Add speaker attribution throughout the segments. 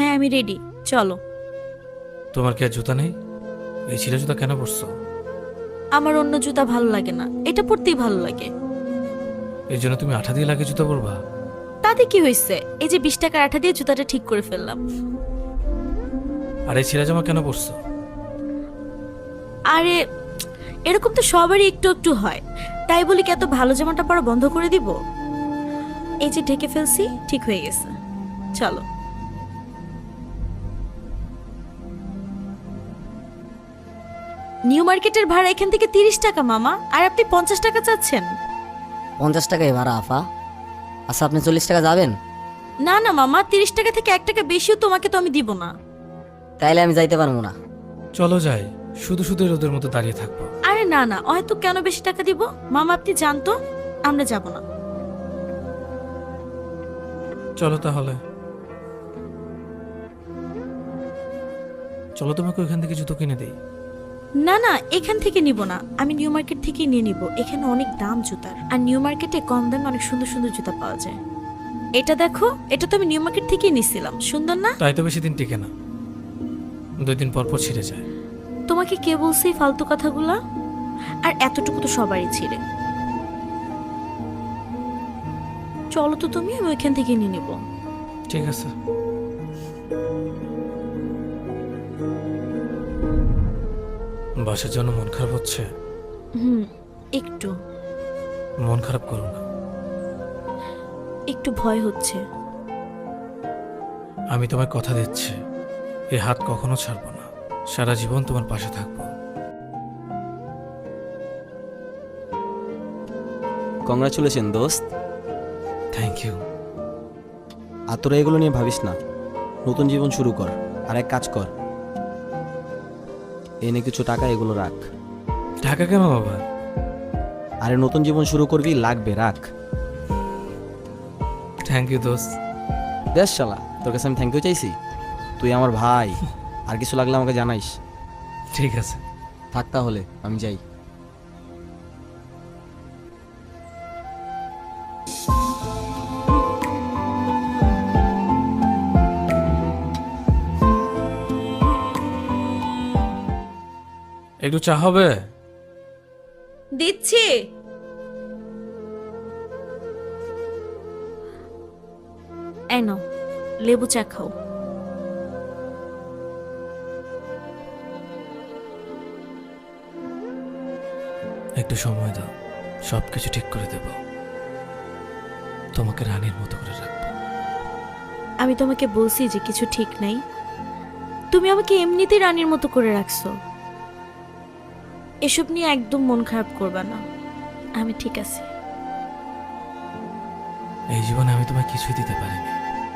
Speaker 1: হ্যাঁ আমি রেডি, চলো।
Speaker 2: তোমার কি আর জুতা নেই? এই ছিঁড়া জুতা কেন পরছো?
Speaker 1: আমার অন্য জুতা ভালো লাগে না, এটা পরতেই ভালো লাগে।
Speaker 2: এর জন্য তুমি আঠা দিয়ে লাগে জুতা পরবা?
Speaker 1: তাতে কি হয়েছে, এই যে 20 টাকার আঠা দিয়ে জুতাটা ঠিক করে ফেললাম।
Speaker 2: আর এই ছিঁড়া জামা কেন পরছো?
Speaker 1: আরে এরকম তো সবারই একটু একটু হয়, তাই বলি কি এত ভালো জামাটা পরা বন্ধ করে দিব? এই যে ঢেকে ফেলছি, ঠিক হয়ে গেছে, চলো। নিউ মার্কেটের ভাড়া এখান থেকে 30 টাকা মামা, আর আপনি 50 টাকা চাচ্ছেন।
Speaker 3: 50 টাকাই ভাড়া আফা। আচ্ছা আপনি 40 টাকা যাবেন?
Speaker 1: না না মামা, 30 টাকা থেকে 1 টাকা বেশিও তোমাকে তো আমি দিব না।
Speaker 3: তাইলে আমি যাইতে পারবো না।
Speaker 2: চলো যাই, শুধু শুধু রোদের মতো দাঁড়িয়ে থাকবো।
Speaker 1: আরে না না, হয়তো কেন বেশি টাকা দিব মামা, আপনি জানতো আমরা যাব না।
Speaker 2: চলো তাহলে, চলো তোমাকে ওইখান থেকে জুতো কিনে দেই।
Speaker 1: না না, এখান থেকে নিব না, আমি নিউ মার্কেট থেকেই নিয়ে নিব। এখানে অনেক দাম জুতার, আর নিউ মার্কেটে কম দামে অনেক সুন্দর সুন্দর জুতা পাওয়া যায়। এটা দেখো, এটা তো আমি নিউ মার্কেট থেকেই নিছিলাম, সুন্দর না?
Speaker 2: তাই তো বেশি দিন টিকে না, 2 দিন পর পর ছিঁড়ে যায়।
Speaker 1: তোমাকে কে বলছে এই ফালতু কথাগুলা? আর এতটুকু তো সবারই ছিঁড়ে। চলো তো তুমি, আমি ওইখান থেকে নিয়ে নিব।
Speaker 2: ঠিক আছে। বাসার জন্য মন খারাপ হচ্ছে?
Speaker 1: একটু
Speaker 2: মন খারাপ করো না।
Speaker 1: একটু ভয় হচ্ছে।
Speaker 2: আমি তোমায় কথা দিচ্ছি, এই হাত কখনো ছাড়বো না, সারা জীবন তোমার পাশে থাকবো।
Speaker 4: কংগ্রাচুলেশন দোস্ত।
Speaker 2: Thank you.
Speaker 4: আর তোরা এগুলো নিয়ে ভাবিস না, নতুন জীবন শুরু কর। আর এক কাজ কর, এনে কিছু টাকা এগুলো রাখ।
Speaker 2: ঢাকা কেন বাবা?
Speaker 4: আরে নতুন জীবন শুরু করবি, লাগবে, রাখ।
Speaker 2: থ্যাংক ইউ দোস্ত।
Speaker 4: দেখ শালা, তোর কাছে আমি থ্যাংক ইউ চাইছি? তুই আমার ভাই, আর কিছু লাগলে আমাকে জানাইস।
Speaker 2: ঠিক আছে।
Speaker 4: থাক তাহলে, আমি যাই।
Speaker 2: একটু চা হবে?
Speaker 1: দিচ্ছি। এই নাও, লেবু চা খাও।
Speaker 2: একটু সময় দাও, সবকিছু ঠিক করে দেব, তোমাকে রানীর মতো করে রাখবো।
Speaker 1: আমি তোমাকে বলছি যে কিছু ঠিক নাই, তুমি আমাকে এমনিতেই রানীর মতো করে রাখছো। এসব নিয়ে একদম মন খারাপ করবা না, আমি ঠিক আছি।
Speaker 2: এই জীবনে আমি তোমায় কিছুই দিতে পারিনি,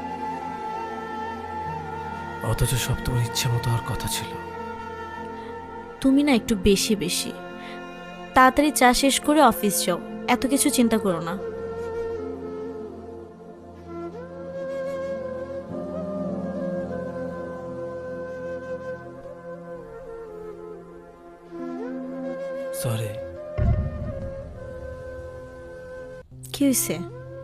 Speaker 2: অথচ সব তোমার ইচ্ছে মতো হওয়ার কথা ছিল।
Speaker 1: তুমি না একটু বেশি বেশি। তাড়াতাড়ি চা শেষ করে অফিস যাও, এত কিছু চিন্তা করো না।
Speaker 2: সরি।
Speaker 1: কি হয়েছে?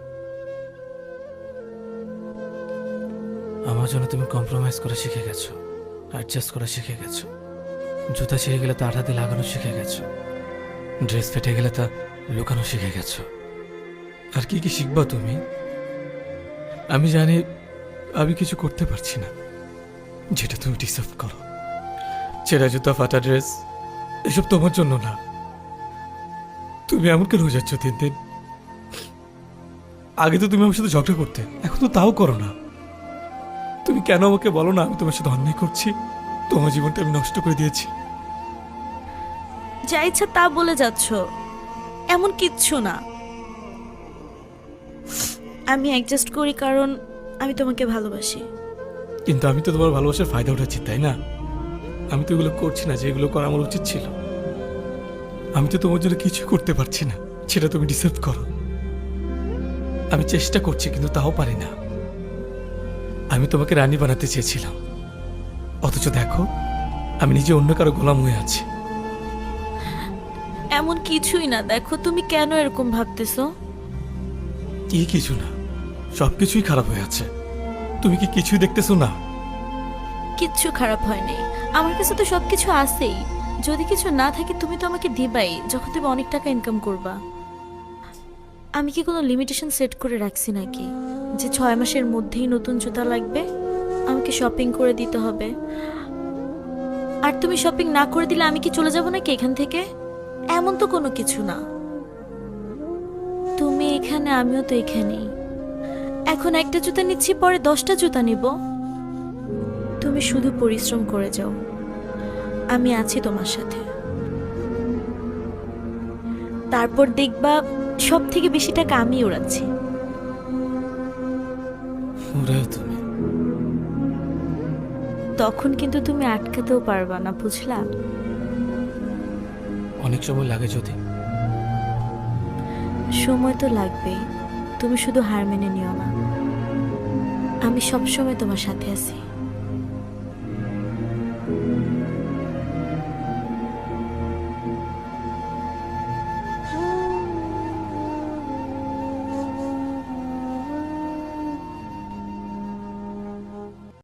Speaker 2: আমার জন্য তুমি কম্প্রোমাইজ করে শিখে গেছো, অ্যাডজাস্ট করা শিখে গেছো। জুতা ছিঁড়ে গেলে তা আঠা দিয়ে লাগানো শিখে গেছো, ড্রেস ফেটে গেলে তা লুকানো শিখে গেছো। আর কি কি শিখবা তুমি? আমি জানি আমি কিছু করতে পারছি না যেটা তুমি ডিসার্ভ করো। ছেঁড়া জুতা, ফাটা ড্রেস, এসব তোমার জন্য না। তুমি এমন কেন হয়ে যাচ্ছ দিন দিন? আগে তো তুমি আমার সাথে ঝগড়া করতে, এখন তো তাও করো না। তুমি কেন আমাকে বলো না আমি তোমার সাথে অন্যায় করছি, তোমার জীবনটা আমি নষ্ট করে দিয়েছি?
Speaker 1: যা ইচ্ছা তা বলে যাচ্ছ, এমন কিচ্ছু না। আমি অ্যাডজাস্ট করি কারণ আমি তোমাকে ভালোবাসি।
Speaker 2: কিন্তু আমি তো তোমার ভালোবাসার ফায়দা উঠাচ্ছি, তাই না? আমি তো এগুলো করছি না যে এগুলো করা আমার উচিত ছিল। আমি তো তোমার জন্য কিছু করতে পারছি না, সেটা তুমি ডিসার্ভ করো। আমি চেষ্টা করছি কিন্তু তাও পারি না। আমি তোমাকে রানী বানাতে চেয়েছিলাম, অথচ দেখো আমি নিজে অন্য কারো গোলাম হয়ে আছি।
Speaker 1: এমন কিছুই না, দেখো তুমি কেন এরকম ভাবতেছো?
Speaker 2: কি কিছু না, সবকিছুই খারাপ হয়ে আছে। তুমি কি কিছুই দেখতেছো না?
Speaker 1: কিচ্ছু খারাপ হয়নি, আমার কাছে তো সবকিছু আছেই। যদি কিছু না থাকে তুমি তো আমাকে দিবাই যখন তুমি অনেক টাকা ইনকাম করবা। আমি কি কোনো লিমিটেশন সেট করে রাখছি নাকি যে 6 মাসের মধ্যেই নতুন জুতা লাগবে, আমাকে শপিং করে দিতে হবে? আর তুমি শপিং না করে দিলে আমি কি চলে যাব নাকি এখান থেকে? এমন তো কোনো কিছু না। তুমি এখানে, আমিও তো এখানেই। এখন একটা জুতা নিচ্ছি, পরে 10টা জুতা নিব। তুমি শুধু পরিশ্রম করে যাও, আমি আছি তোমার সাথে। তারপর দেখবা সব থেকে বেশি টাকা আমি উড়াচ্ছি।
Speaker 2: ওরেও তুমি।
Speaker 1: তখন কিন্তু তুমি আটকাতেও পারবা না, বুঝলা?
Speaker 2: অনেক সময় লাগে যদি।
Speaker 1: সময় তো লাগবেই, তুমি শুধু হার মেনে নিও না। আমি সব সময় তোমার সাথে আছি।